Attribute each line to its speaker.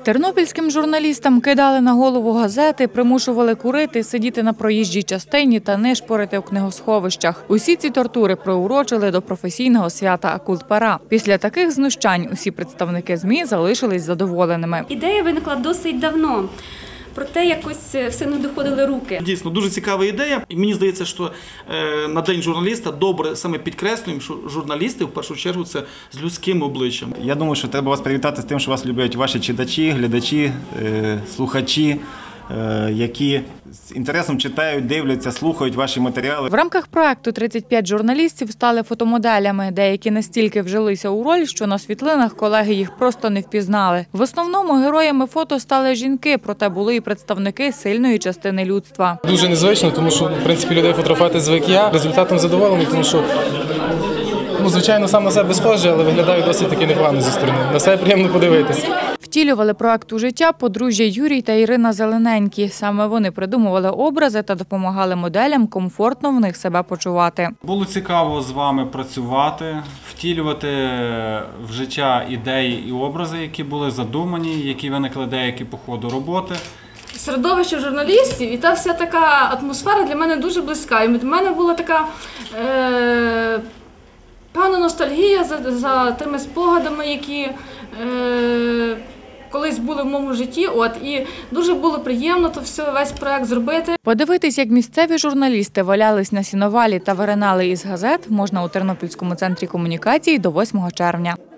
Speaker 1: Тернопільським журналістам кидали на голову газети, примушували курити, сидіти на проїжджій частині та нишпорити у книгосховищах. Усі ці тортури приурочили до професійного свята Акулпара. Після таких знущань усі представники ЗМІ залишились задоволеними.
Speaker 2: Ідея виникла досить давно. Проте якось все не доходили руки.
Speaker 3: Дійсно, дуже цікава ідея. І мені здається, що на День журналіста добре саме підкреслюємо, що журналісти в першу чергу це з людським обличчям.
Speaker 4: Я думаю, що треба вас привітати з тим, що вас люблять ваші читачі, глядачі, слухачі, які з інтересом читають, дивляться, слухають ваші матеріали.
Speaker 1: В рамках проекту 35 журналістів стали фотомоделями. Деякі настільки вжилися у роль, що на світлинах колеги їх просто не впізнали. В основному героями фото стали жінки, проте були і представники сильної частини людства.
Speaker 5: Дуже незвично, тому що, в принципі, людей фотографувати звик я. Результатом задоволений, тому що, звичайно, сам на себе схожий, але виглядаю досить таки непогано зі сторони. На себе приємно подивитися.
Speaker 1: Втілювали проект у життя подружжя Юрій та Ірина Зелененькі. Саме вони придумували образи та допомагали моделям комфортно в них себе почувати.
Speaker 6: Було цікаво з вами працювати, втілювати в життя ідеї і образи, які були задумані, які виникли деякі по ходу роботи.
Speaker 7: Середовище журналістів і та вся така атмосфера для мене дуже близька. І для мене була така певна ностальгія за тими спогадами, які колись були в моєму житті, і дуже було приємно весь проект зробити.
Speaker 1: Подивитись, як місцеві журналісти валялись на сіновалі та виринали із газет, можна у Тернопільському центрі комунікації до 8 червня.